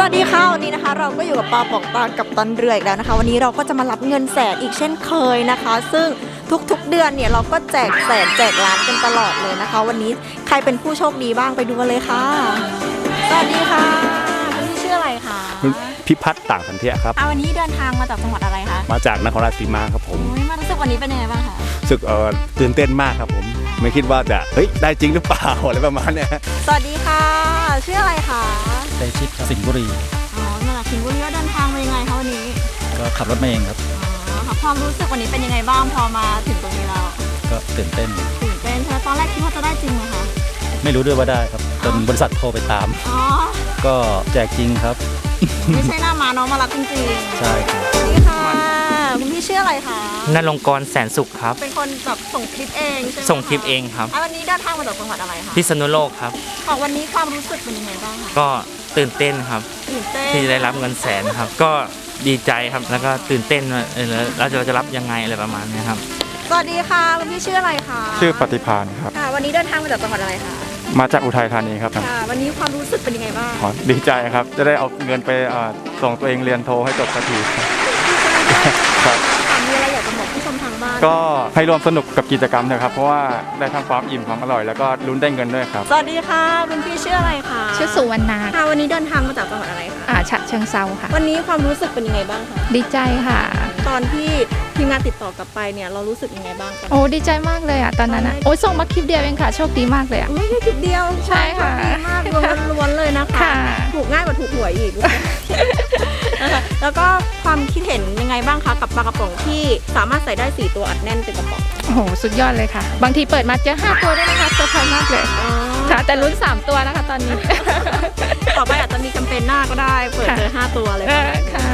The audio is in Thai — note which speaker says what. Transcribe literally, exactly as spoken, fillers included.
Speaker 1: วัสดีค่ะวันนี้นะคะเราก็อยู่กับปาป่องตากับตันเรืออีกแล้วนะคะวันนี้เราก็จะมารับเงินแสนอีกเช่นเคยนะคะ ซึ่งทุกๆเดือนเนี่ยเราก็แจกแสนแจกล้านกันตลอดเลยนะคะวันนี้ใครเป็นผู้โชคดีบ้างไปดูกันเลยค่ะสวัสดีค่ะคุณพี่ชื่ออะไรคะ
Speaker 2: พิพัฒน์ต่างสันเทียครับ
Speaker 1: อ่ะวันนี้เดินทางมาจากจังหวัดอะไรคะ
Speaker 2: มาจากนครราชสีมาครับผม
Speaker 1: โอ้ยมารู้สึกวันนี้เป็นยังไงบ้างคะ
Speaker 2: รู้สึกเอ่อตื่นเต้นมากครับผมไม่คิดว่าจะเฮ้ยได้จริงหรือเปล่าอะไรประมาณเนี้ย
Speaker 1: สวัสดีค่ะชื่ออะไรคะ
Speaker 3: ไดชิดสิงห์บุรี
Speaker 1: อ๋อมาจากสิงห์บุรีแล้วเดินทางมายังไงคะวันนี้
Speaker 3: ก็ขับรถมาเองครับ
Speaker 1: อ๋อค่ะความรู้สึกวันนี้เป็นยังไงบ้างพอมาถึงตรงนี้แล้ว
Speaker 3: ก็ตื่นเต้น
Speaker 1: ตื่นเต้นใช่ไหมตอนแรกคิดว่าจะได้จริงไหมคะ
Speaker 3: ไม่รู้ด้วยว่าได้ครับจนบริษัทโทรไปตาม
Speaker 1: อ๋อ
Speaker 3: ก็แจกจริงครับ
Speaker 1: ไม่ใช่หน้ามาน้องมารับจริงๆ
Speaker 3: ใช่ครับ
Speaker 1: สวัสดีค่ะคุณพี่ชื่ออะไรคะ
Speaker 4: นรงกรแสนสุขครับ
Speaker 1: เป็นคนแบบส่งคลิปเองใช่ไหมะ
Speaker 4: ส่งคลิปเองครับ
Speaker 1: อ่ะวันนี้เดินทางมาจากจังหวัดอะไรคะ
Speaker 4: พิษณุโลกครับ
Speaker 1: ของวันนี้ความรู้สึกเป็นยังไงบ้างคะ
Speaker 4: ก็ตื่นเต้นครับ
Speaker 1: ตื่นเต้น
Speaker 4: ที่ได้รับเงินแสนครับ ก็ดีใจครับแล้วก็ตื่นเต้นว่าเออแล้วเราจะเราจะรับยังไงอะไรประมาณนี้ครับ
Speaker 1: สวัสดีค่ะคุณพี่ชื่ออะไรคะ
Speaker 5: ชื่อปฏิพานครับ
Speaker 1: ค่ะ วันนี้เดินทางมาจากจังหวัดอะไรคะ
Speaker 5: มาจากอุทัยธานีครับ
Speaker 1: ค่ะ วันนี้ความรู้สึกเป็นยังไงบ้าง
Speaker 5: ขอดีใจครับ จะได้เอาเงินไปเอ่อส่งตัวเองเรียนโทให้จบสักทีครับ
Speaker 1: ค่ะมีอะไรอยากจะบอกผู้ชมทางบ้าน
Speaker 5: ก็ให้ร่วมสนุกกับกิจกรรมนะครับ เพราะว่าได้ทั้งความอิ่มความอร่อย แล้วก็ลุ้นได้เงินด้วยครับ
Speaker 1: สวัสดีค่ะคุณพี่ชื่ออะไรคะ
Speaker 6: ชื่อสุวรรณา
Speaker 1: ค่ะวันนี้เดินทางมาจากจังหวัดอะไรคะ
Speaker 6: อ่าฉะเชิงเซาค่ะ
Speaker 1: วันนี้ความรู้สึกเป็นยังไงบ้างคะ
Speaker 6: ดีใจค่ะ
Speaker 1: ตอนที่ทีมงานติดต่อกลับไปเนี่ยเรารู้สึกยังไงบ้างกัน
Speaker 6: โอ้ดีใจมากเลยอ่ะตอนนั้นอ่ะโอ้ยส่งมาคลิปเดียวเองค่ะ โชคดีมากเลยอ่ะ
Speaker 1: ไม่ใช่คลิปเดียว
Speaker 6: ใช่ค่ะ
Speaker 1: ดีมากรวมล้วนๆเลยนะคะ
Speaker 6: ค่ะ
Speaker 1: ถูกง่ายกว่าถูกหวยอีกนะคะแล้วก็ความคิดเห็นยังไงบ้างคะกับปลากระป๋องที่สามารถใส่ได้สี่ตัวอัดแน่นเต็มกระป๋อง
Speaker 6: โอ้โหสุดยอดเลยค่ะ บางทีเปิดมาเจอห้าตัวด้วยนะคะเซอร์ไพรส์มากเลยค่ะแต่ลุ้นสามตัวนะคะตอนนี้
Speaker 1: ต่อไปอาจจะมีแคมเปญหน้าก็ได้เปิดเจอห้าตัวเลย
Speaker 6: เออค่ะ